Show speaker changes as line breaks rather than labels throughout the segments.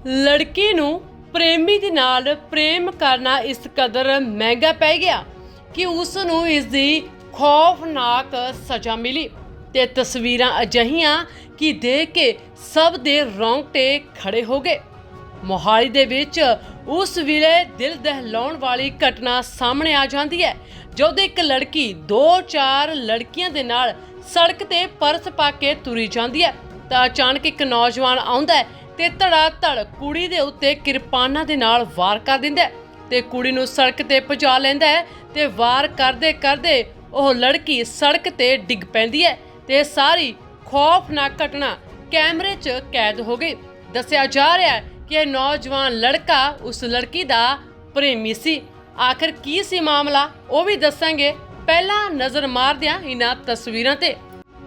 ਲੜਕੀ ਨੂੰ ਪ੍ਰੇਮੀ ਦੇ ਨਾਲ ਪ੍ਰੇਮ ਕਰਨਾ ਇਸ ਕਦਰ ਮਹਿੰਗਾ ਪੈ ਗਿਆ ਕਿ ਉਸ ਨੂੰ ਇਸ ਦੀ ਖੌਫਨਾਕ ਸਜ਼ਾ ਮਿਲੀ ਤੇ ਤਸਵੀਰਾਂ ਅਜਿਹੀਆਂ ਕਿ ਦੇਖ ਕੇ ਸਭ ਦੇ ਰੌਂਗਟੇ ਖੜੇ ਹੋ ਗਏ। ਮੋਹਾਲੀ ਦੇ ਵਿੱਚ ਉਸ ਵੇਲੇ ਦਿਲ ਦਹਿਲਾਉਣ ਵਾਲੀ ਘਟਨਾ ਸਾਹਮਣੇ ਆ ਜਾਂਦੀ ਹੈ ਜਦੋਂ ਇੱਕ ਲੜਕੀ 2-4 ਲੜਕੀਆਂ ਦੇ ਨਾਲ ਸੜਕ ਤੇ ਪਰਸ ਪਾ ਕੇ ਤੁਰੀ ਜਾਂਦੀ ਹੈ ਤਾਂ ਅਚਾਨਕ ਇੱਕ ਨੌਜਵਾਨ ਆਉਂਦਾ ਹੈ ਤੇ ਧੜਾ ਧੜ ਕੁੜੀ ਦੇ ਉੱਤੇ ਕਿਰਪਾਨਾਂ ਦੇ ਨਾਲ ਵਾਰ ਕਰ ਦਿੰਦਾ ਹੈ ਤੇ ਕੁੜੀ ਨੂੰ ਸੜਕ ਤੇ ਪਹੁੰਚਾ ਲੈਂਦਾ ਹੈ ਤੇ ਵਾਰ ਕਰਦੇ ਕਰਦੇ ਉਹ ਲੜਕੀ ਸੜਕ ਤੇ ਡਿੱਗ ਪੈਂਦੀ ਹੈ ਤੇ ਸਾਰੀ ਖੌਫਨਾਕ ਘਟਨਾ ਕੈਮਰੇ 'ਚ ਕੈਦ ਹੋ ਗਈ। ਦੱਸਿਆ ਜਾ ਰਿਹਾ ਹੈ ਕਿ ਇਹ ਨੌਜਵਾਨ ਲੜਕਾ ਉਸ ਲੜਕੀ ਦਾ ਪ੍ਰੇਮੀ ਸੀ। ਆਖਿਰ ਕੀ ਸੀ ਮਾਮਲਾ ਉਹ ਵੀ ਦੱਸਾਂਗੇ, ਪਹਿਲਾਂ ਨਜ਼ਰ ਮਾਰਦੇ ਹਾਂ ਇਹਨਾਂ ਤਸਵੀਰਾਂ ਤੇ।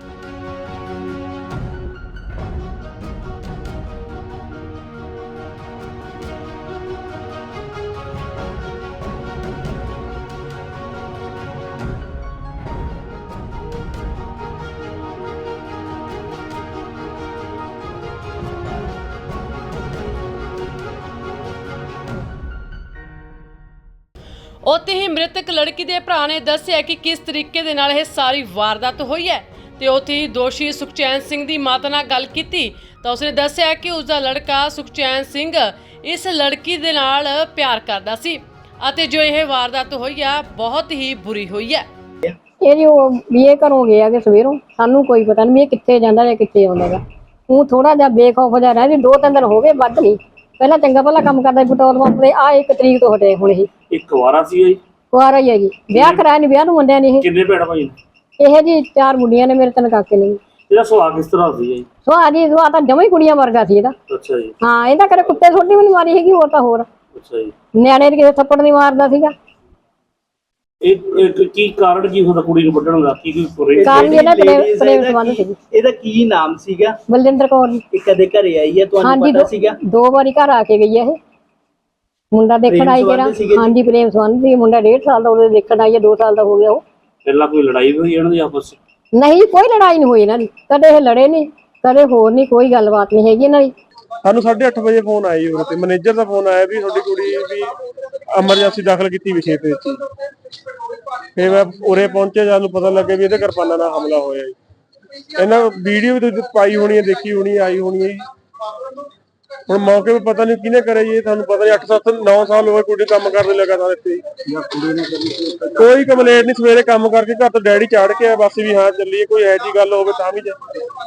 ਉੱਥੇ ਹੀ ਮ੍ਰਿਤਕ ਲੜਕੀ ਦੇ ਭਰਾ ਨੇ ਦੱਸਿਆ ਕਿ ਕਿਸ ਤਰੀਕੇ ਦੇ ਨਾਲ ਇਹ ਸਾਰੀ ਵਾਰਦਾਤ ਹੋਈ ਹੈ ਤੇ ਉੱਥੇ ਹੀ ਦੋਸ਼ੀ ਸੁਖਚੈਨ ਸਿੰਘ ਦੀ ਮਾਤਾ ਨਾਲ ਗੱਲ ਕੀਤੀ ਤਾਂ ਉਸਨੇ ਦੱਸਿਆ ਕਿ ਉਸਦਾ ਲੜਕਾ ਸੁਖਚੈਨ ਸਿੰਘ ਇਸ ਲੜਕੀ ਦੇ ਨਾਲ ਪਿਆਰ ਕਰਦਾ ਸੀ ਅਤੇ ਜੋ ਇਹ ਵਾਰਦਾਤ ਹੋਈ ਹੈ ਬਹੁਤ ਹੀ ਬੁਰੀ ਹੋਈ ਹੈ।
ਇਹ ਜੀ ਬੀਏ ਘਰੋਂ ਗਿਆ ਕਿ ਸਵੇਰੋਂ ਸਾਨੂੰ ਕੋਈ ਪਤਾ ਨਹੀਂ ਇਹ ਕਿੱਥੇ ਜਾਂਦਾ ਜਾਂ ਕਿੱਥੇ ਆਉਂਦਾਗਾ। ਉਹ ਥੋੜਾ ਜਿਹਾ ਬੇਖੌਫ ਜਿਹਾ ਰਹਿ 2-3 ਦਿਨ ਹੋ ਗਏ, ਵੱਧ ਨਹੀਂ। ਪਹਿਲਾਂ ਚੰਗਾ ਭਲਾ ਕੰਮ ਕਰਦਾ ਪੈਟਰੋਲ ਪੰਪ ਤੇ, ਆ 1 ਤਰੀਕ ਤੋਂ ਹਟੇ ਹੁਣ। ਇਹ
ਇੱਕ ਵਾਰਾ ਸੀ ਜੀ,
ਕੁਆਰਾ ਹੀ ਹੈ ਜੀ, ਵਿਆਹ ਕਰਾਇਆ ਨਹੀਂ, ਵਿਆਹ ਨੂੰ ਮੁੰਡਿਆਂ ਨੇ।
ਕਿੰਨੇ ਭੈਣ ਭਾਈ ਨੇ?
ਇਹ ਜੀ 4 ਮੁੰਡੀਆਂ ਨੇ, ਮੇਰੇ 3 ਕਾਕੇ ਨੇ।
ਇਹਦਾ ਸੁਭਾਅ ਕਿਸ ਤਰ੍ਹਾਂ ਸੀ ਜੀ?
ਸੁਭਾਅ ਤਾਂ ਜਮਾਂ ਹੀ ਕੁੜੀਆਂ ਵਰਗਾ ਸੀ ਇਹਦਾ।
ਅੱਛਾ ਜੀ।
ਹਾਂ, ਇਹਦਾ ਕਦੇ ਕੁੱਤੇ ਛੋਟੀ ਵੀ ਨਹੀਂ ਮਾਰੀ ਹੈਗੀ, ਹੋਰ ਤਾਂ ਹੋਰ।
ਅੱਛਾ ਜੀ।
ਨਿਆਣੇ ਦੇ ਕਿਸੇ ਥੱਪੜ ਨਹੀਂ ਮਾਰਦਾ ਸੀਗਾ।
ਇਹ ਕੀ ਕਾਰਨ ਕੀ ਹੁੰਦਾ ਕੁੜੀ ਨੂੰ ਵੱਢਣ ਦਾ? ਕੀ
ਕਾਰਨ ਇਹਦਾ ਪ੍ਰੇਮ ਸੰਬੰਧ ਸੀ।
ਇਹਦਾ ਕੀ ਨਾਮ ਸੀਗਾ?
ਬਲਜਿੰਦਰ ਕੌਰ ਜੀ।
ਇਹ ਕਦੇ ਘਰੇ ਆਈ ਹੈ, ਤੁਹਾਨੂੰ ਪਤਾ ਸੀਗਾ?
2 ਵਾਰੀ ਘਰ ਆ ਕੇ ਗਈ ਹੈ। ਇਹ ਮੁੰਡਾ ਦੇਖਣ ਆਈ ਜਿਹੜਾ। ਹਾਂਜੀ, ਪ੍ਰੇਮ ਸੰਬੰਧ ਸੀ। ਮੁੰਡਾ 1.5 ਸਾਲ ਦਾ ਉਹਦੇ ਦੇਖਣ ਆਈ ਹੈ, 2 ਸਾਲ ਦਾ ਹੋ ਗਿਆ ਉਹ।
ਪਹਿਲਾਂ ਕੋਈ ਲੜਾਈ ਹੋਈ ਇਹਨਾਂ ਦੀ ਆਪਸ ਵਿੱਚ?
ਨਹੀਂ, ਕੋਈ ਲੜਾਈ ਨਹੀਂ ਹੋਈ ਇਹਨਾਂ ਦੀ, ਕਦੇ ਇਹ ਲੜੇ ਨਹੀਂ, ਕਦੇ ਹੋਰ ਨਹੀਂ, ਕੋਈ ਗੱਲਬਾਤ ਨਹੀਂ ਹੈਗੀ ਇਹਨਾਂ ਦੀ।
ਸਾਨੂੰ 8:30 ਵਜੇ ਫੋਨ ਆਇਆ ਜੀ, ਤੇ ਮੈਨੇਜਰ ਦਾ ਫੋਨ ਆਇਆ ਵੀ ਤੁਹਾਡੀ ਕੁੜੀ ਵੀ ਐਮਰਜੈਂਸੀ ਦਾਖਲ ਕੀਤੀ ਵਿਸ਼ੇ ਤੇ ਵਿੱਚ। ਫਿਰ ਮੈਂ ਉਰੇ ਪਹੁੰਚੇ, ਸਾਨੂੰ ਪਤਾ ਲੱਗਿਆ ਵੀ ਇਹਦੇ ਕਿਰਪਾਨਾਂ ਨਾਲ ਹਮਲਾ ਹੋਇਆ ਜੀ। ਇਹਨਾਂ ਵੀਡੀਓ ਵੀ ਤੁਸੀਂ ਪਾਈ ਹੋਣੀ ਹੈ, ਦੇਖੀ ਹੋਣੀ, ਆਈ ਹੋਣੀ ਹੈ ਜੀ। ਹੁਣ ਮੌਕੇ 'ਤੇ ਪਤਾ ਨਹੀਂ ਕਿਹਨੇ ਕਰਿਆ ਜੀ, ਤੁਹਾਨੂੰ ਪਤਾ ਨਹੀਂ। 8-9 ਸਾਲ ਹੋਏ ਕੁੜੀ ਕੰਮ ਕਰਦੇ ਲਗਾਤਾਰ ਇੱਥੇ। ਕੋਈ ਕੰਪਲੇਂਟ ਨਹੀਂ, ਸਵੇਰੇ ਕੰਮ ਕਰਕੇ ਘਰ ਤੋਂ ਡੈਡੀ ਚਾੜ ਕੇ ਆਇਆ ਬਸ ਵੀ ਹਾਂ ਚੱਲੀਏ, ਕੋਈ ਇਹੋ ਜਿਹੀ ਗੱਲ ਹੋਵੇ ਤਾਂ ਵੀ ਜਾ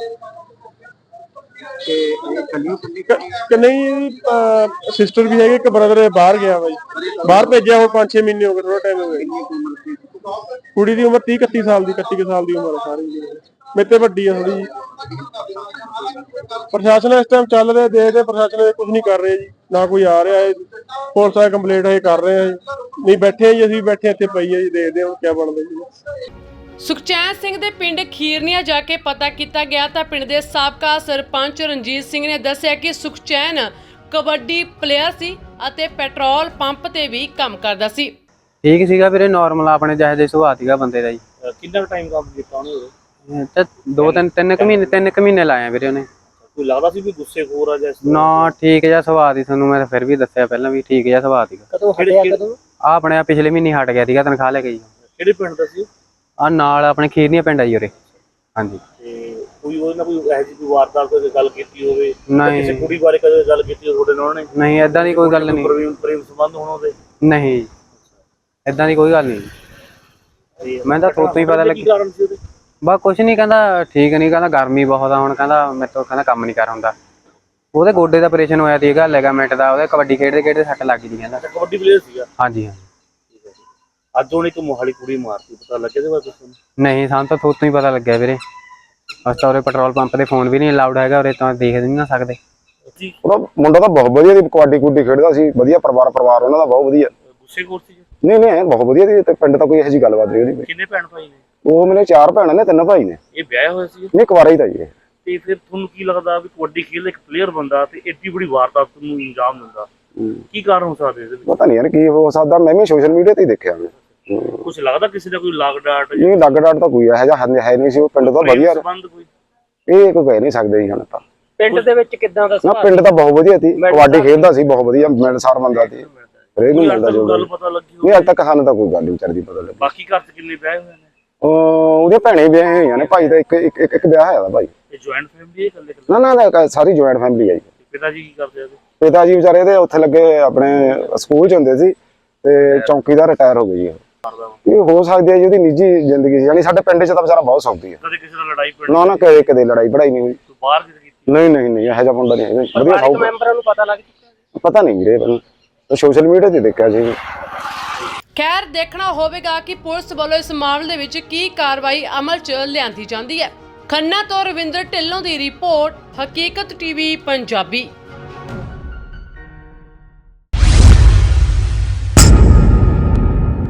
ਨਹੀਂ। ਸਿਸਟਰ ਵੀ ਹੈਗੇ, ਇੱਕ ਬ੍ਰਦਰ ਬਾਹਰ ਗਿਆ ਵਾ ਜੀ, ਬਾਹਰ ਭੇਜਿਆ ਹੁਣ 5-6 ਮਹੀਨੇ ਹੋ ਗਏ, ਥੋੜਾ ਟਾਈਮ ਹੋ ਗਿਆ। ਕੁੜੀ ਦੀ ਉਮਰ 30-31 ਸਾਲ ਦੀ, 31 ਸਾਲ ਦੀ ਉਮਰ ਹੈ ਸਾਰੀ। ਮੇਰੇ ਤੇ ਵੱਡੀ ਆ ਥੋੜੀ ਜੀ। ਪ੍ਰਸ਼ਾਸਨ ਇਸ ਟਾਈਮ ਚੱਲ ਰਿਹਾ, ਦੇਖਦੇ ਪ੍ਰਸ਼ਾਸਨ ਕੁਝ ਨਹੀਂ ਕਰ ਰਿਹਾ ਜੀ, ਨਾ ਕੋਈ ਆ ਰਿਹਾ ਹੈ। ਪੁਲਿਸ ਵਾਲੇ ਕੰਪਲੇਂਟ ਇਹ ਕਰ ਰਹੇ ਆ ਜੀ, ਨਹੀਂ ਬੈਠੇ ਜੀ, ਅਸੀਂ ਬੈਠੇ ਇੱਥੇ ਪਈ ਹੈ ਜੀ, ਦੇਖਦੇ ਹਾਂ ਕੀ ਬਣਦਾ ਜੀ।
ਸੁਖਚੈਨ ਸਿੰਘ ਦੇ ਪਿੰਡ ਖੀਰਨੀਆ ਜਾ ਕੇ ਪਤਾ ਕੀਤਾ ਗਿਆ ਤਾਂ ਪਿੰਡ ਦੇ ਸਾਬਕਾ ਸਰਪੰਚ ਰਣਜੀਤ ਸਿੰਘ ਨੇ ਦੱਸਿਆ ਕਿ ਸੁਖਚੈਨ ਕਬੱਡੀ ਪਲੇਅਰ ਸੀ ਅਤੇ ਪੈਟਰੋਲ ਪੰਪ ਤੇ ਵੀ ਕੰਮ ਕਰਦਾ ਸੀ।
ਠੀਕ ਸੀਗਾ ਵੀਰੇ, ਨਾਰਮਲ ਆਪਣੇ ਜਿਹੇ ਜਿਹੇ ਸੁਭਾਅ ਸੀਗਾ ਬੰਦੇ ਦਾ ਜੀ।
ਕਿੰਨਾ ਟਾਈਮ ਕੰਮ ਕੀਤਾ ਉਹਨੇ?
ਤੇ 3 ਮਹੀਨੇ ਲਾਏ ਵੀਰੇ ਉਹਨੇ।
ਕੋਈ ਲੱਗਦਾ ਸੀ ਵੀ ਗੁੱਸੇਖੋਰ ਆ ਜਾਂ?
ਨਾ, ਠੀਕ ਜਿਹਾ ਸੁਭਾਅ ਦੀ, ਤੁਹਾਨੂੰ ਮੈਂ ਫਿਰ ਵੀ ਦੱਸਿਆ ਪਹਿਲਾਂ ਵੀ ਠੀਕ ਜਿਹਾ ਸੁਭਾਅ ਸੀਗਾ।
ਕਦੋਂ ਹਟਿਆ? ਕਦੋਂ?
ਆਪਣੇ ਪਿਛਲੇ ਮਹੀਨੇ ਹਟ ਗਿਆ ਸੀਗਾ, ਤਨਖਾਹ ਲੈ ਕੇ ਜੀ।
ਕਿਹੜੇ ਪਿੰਡ ਦਾ ਸੀ?
ਆ ਨਾਲ ਆਪਣੇ ਖੀਰਨੀਆ ਪਿੰਡ ਆ ਜੀ ਉਰੇ। ਹਾਂਜੀ।
ਤੇ ਕੋਈ ਉਹਦੇ ਨਾਲ ਕੋਈ ਇਹੋ ਜਿਹੀ ਕੋਈ ਵਾਰਦਾਤ ਕੋਈ ਗੱਲ ਕੀਤੀ ਹੋਵੇ?
ਨਹੀਂ।
ਕਿਸੇ ਕੁੜੀ ਬਾਰੇ ਕਦੇ ਗੱਲ ਕੀਤੀ ਹੋਵੇ ਤੁਹਾਡੇ ਨਾਲ ਉਹਨੇ?
ਨਹੀਂ, ਏਦਾਂ ਦੀ ਕੋਈ ਗੱਲ ਨਹੀਂ।
ਪ੍ਰੇਮ ਸੰਬੰਧ ਹੋਣ ਉਹਦੇ?
ਨਹੀਂ, ਏਦਾਂ ਦੀ ਕੋਈ ਗੱਲ ਨਹੀਂ। ਮੈਂ ਤਾਂ ਥੋਤੋਂ ਹੀ ਪਤਾ
ਕੀ ਕਾਰਨ ਸੀ ਉਹਦੇ?
ਬਸ ਕੁਛ ਨਹੀਂ, ਕਹਿੰਦਾ ਠੀਕ ਨਹੀਂ, ਕਹਿੰਦਾ ਗਰਮੀ ਬਹੁਤ ਆ, ਹੁਣ ਕਹਿੰਦਾ ਮੇਰੇ ਤੋਂ ਕਹਿੰਦਾ ਕੰਮ ਨਹੀਂ ਕਰ ਹੁੰਦਾ। ਉਹਦੇ ਗੋਡੇ ਦਾ ਆਪਰੇਸ਼ਨ ਹੋਇਆ ਸੀਗਾ, ਲਿਗਾਮੈਂਟ ਦਾ। ਉਹਦੇ ਕਬੱਡੀ ਖੇਡਦੇ ਸੱਟ ਲੱਗ ਗਈ ਕਹਿੰਦਾ।
ਕਬੱਡੀ ਪਲੇਅਰ ਸੀਗਾ?
ਹਾਂਜੀ ਹਾਂ।
ਅੱਜ ਉਹਨੇ ਇੱਕ ਮੋਹਾਲੀ ਕੁੜੀ ਮਾਰਤੀ, ਪਤਾ ਲੱਗਿਆ ਇਹਦੇ ਬਾਰੇ ਤੁਹਾਨੂੰ?
ਨਹੀਂ, ਸਾਨੂੰ ਤਾਂ ਥੋਤੋਂ ਹੀ ਪਤਾ ਲੱਗਿਆ ਵੀਰੇ। ਅਸੀਂ ਤਾਂ ਉਰੇ ਪੈਟਰੋਲ ਪੰਪ ਤੇ ਫੋਨ ਵੀ ਨਹੀਂ ਅਲਾਉਡ ਹੈਗਾ ਉਰੇ, ਤਾਂ ਦੇਖ ਨਹੀਂ ਨਾ ਸਕਦੇ।
ਉਹਦਾ ਮੁੰਡਾ ਤਾਂ ਬਹੁਤ ਵਧੀਆ ਸੀ, ਕਬੱਡੀ ਕੁੱਡੀ ਖੇਡਦਾ ਸੀ, ਵਧੀਆ ਪਰਿਵਾਰ ਉਹਨਾਂ ਦਾ ਬਹੁਤ ਵਧੀਆ।
ਗੁੱਸੇਖੋਰ ਸੀ?
ਨਹੀਂ, ਬਹੁਤ ਵਧੀਆ ਸੀ। ਤੇ ਪਿੰਡ ਤਾਂ ਕੋਈ ਇਹੋ ਜਿਹੀ ਗੱਲਬਾਤ ਨਹੀਂ ਉਹਦੀ।
ਕਿੰਨੇ ਭੈਣ ਭਾਈ ਨੇ?
ਉਹ ਮੇਰੇ 4 ਭੈਣਾਂ ਨੇ, 3 ਭਾਈ ਨੇ।
ਇਹ ਵਿਆਹਿਆ ਹੋਇਆ ਸੀ?
ਨਹੀਂ, ਕੁਆਰਾ ਹੀ ਤਾਂ ਜੀ।
ਤੇ ਫਿਰ ਤੁਹਾਨੂੰ ਕੀ ਲੱਗਦਾ ਵੀ ਕਬੱਡੀ ਖੇਡਦਾ ਇੱਕ ਪਲੇਅਰ ਬੰਦਾ ਤੇ ਏਡੀ ਬੜੀ ਵਾਰਦਾਤ ਨੂੰ ਅੰਜਾਮ ਦਿੰਦਾ, ਕੀ ਕਾਰਨ ਹੋ ਸਕਦਾ ਇਹਦੇ ਵਿੱਚ?
ਪਤਾ ਨਹੀਂ ਯਾਰ ਕੀ ਹੋ ਸਕਦਾ, ਮੈਂ ਵੀ ਸੋਸ਼ਲ ਮੀਡੀਆ ਤੇ ਹੀ ਦੇਖਿਆ।
ਕੁਝ ਲੱਗਦਾ ਕਿਸੇ ਦਾ ਕੋਈ ਲਾਗ ਡਾਟ?
ਨਹੀਂ, ਲੱਗ ਡਾਟ ਤਾਂ ਕੋਈ ਇਹੋ ਜਿਹਾ ਹੈ ਨਹੀਂ ਸੀ। ਉਹ ਪਿੰਡ ਤਾਂ ਵਧੀਆ,
ਸੰਬੰਧ ਕੋਈ
ਇਹ ਕੋਈ ਕਹਿ ਨਹੀਂ ਸਕਦੇ ਜੀ ਹੁਣ ਤਾਂ।
ਪਿੰਡ ਦੇ ਵਿੱਚ ਕਿੱਦਾਂ ਦਾ
ਨਾ
ਸੁਭਾਅ
ਪਿੰਡ ਤਾਂ ਬਹੁਤ ਵਧੀਆ ਸੀ, ਕਬੱਡੀ ਖੇਡਦਾ ਸੀ ਬਹੁਤ ਵਧੀਆ, ਮਿਲਣਸਾਰ ਬੰਦਾ ਸੀ, ਹਰੇਕ ਨੂੰ ਮਿਲਦਾ ਜੋ
ਗੱਲ ਪਤਾ ਲੱਗੀ
ਨਹੀਂ ਅੱਜ ਤੱਕ ਸਾਨੂੰ ਤਾਂ ਕੋਈ ਗੱਲ ਨਹੀਂ ਵਿਚਾਰੀ ਪਤਾ ਲੱਗੀ।
ਬਾਕੀ ਘਰ 'ਚ ਕਿੰਨੇ ਵਿਆਹ ਹੋਏ ਨੇ?
ਉਹਦੇ ਭੈਣੇ ਵਿਆਹੇ ਹੋਈਆਂ ਨੇ, ਭਾਈ ਦਾ ਇੱਕ ਵਿਆਹ ਹੋਇਆ ਵਾ ਭਾਈ।
ਇਹ ਜੁਆਇੰਟ ਫੈਮਿਲੀ ਹੈ ਇਕੱਲੇ?
ਨਾ ਸਾਰੀ ਜੁਆਇੰਟ ਫੈਮਿਲੀ ਹੈ ਜੀ।
ਪਿਤਾ ਜੀ ਕੀ ਕਰਦੇ ਆ?
ਪਿਤਾ ਜੀ ਵਿਚਾਰੇ ਦੇ ਉੱਥੇ ਲੱਗੇ ਆਪਣੇ ਸਕੂਲ 'ਚ ਹੁੰਦੇ ਸੀ ਤੇ ਚੌਂਕੀਦਾਰ ਰਿਟਾਇਰ ਹੋ ਗਈ ਹੈ। ਇਹ ਹੋ ਸਕਦੀ ਹੈ ਜੀ ਉਹਦੀ ਨਿੱਜੀ ਜ਼ਿੰਦਗੀ ਸੀ, ਯਾਨੀ ਸਾਡੇ ਪਿੰਡ 'ਚ ਤਾਂ ਵਿਚਾਰਾ ਬਹੁਤ ਸੌਖੀ ਹੈ।
ਕਦੇ ਕਿਸੇ ਨਾਲ ਲੜਾਈ ਪੜੀ?
ਨਾ ਕਦੇ ਲੜਾਈ ਪੜਾਈ ਨਹੀਂ ਹੋਈ।
ਬਾਹਰ ਕਿਤੇ ਕੀਤੀ?
ਨਹੀਂ ਇਹੋ ਜਿਹਾ ਮੁੰਡਾ ਨਹੀਂ ਹੈਗਾ, ਵਧੀਆ
ਪਰਿਵਾਰਕ ਮੈਂਬਰਾਂ ਨੂੰ ਪਤਾ ਲੱਗ ਚੁੱਕਾ?
ਪਤਾ ਨਹੀਂ ਵੀਰੇ, ਮੈਨੂੰ ਸੋਸ਼ਲ ਮੀਡੀਆ ਤੇ ਦੇਖਿਆ ਸੀ।
ਖੈਰ ਦੇਖਣਾ ਹੋਵੇਗਾ ਕਿ ਪੁਲਿਸ ਵੱਲੋਂ ਇਸ ਮਾਮਲੇ ਵਿੱਚ ਕੀ ਕਾਰਵਾਈ ਅਮਲ 'ਚ ਲਿਆਂਦੀ ਜਾਂਦੀ ਹੈ। ਖੰਨਾ ਤੋਂ ਰਵਿੰਦਰ ਢਿੱਲੋਂ ਦੀ ਰਿਪੋਰਟ, ਹਕੀਕਤ ਟੀਵੀ ਪੰਜਾਬੀ।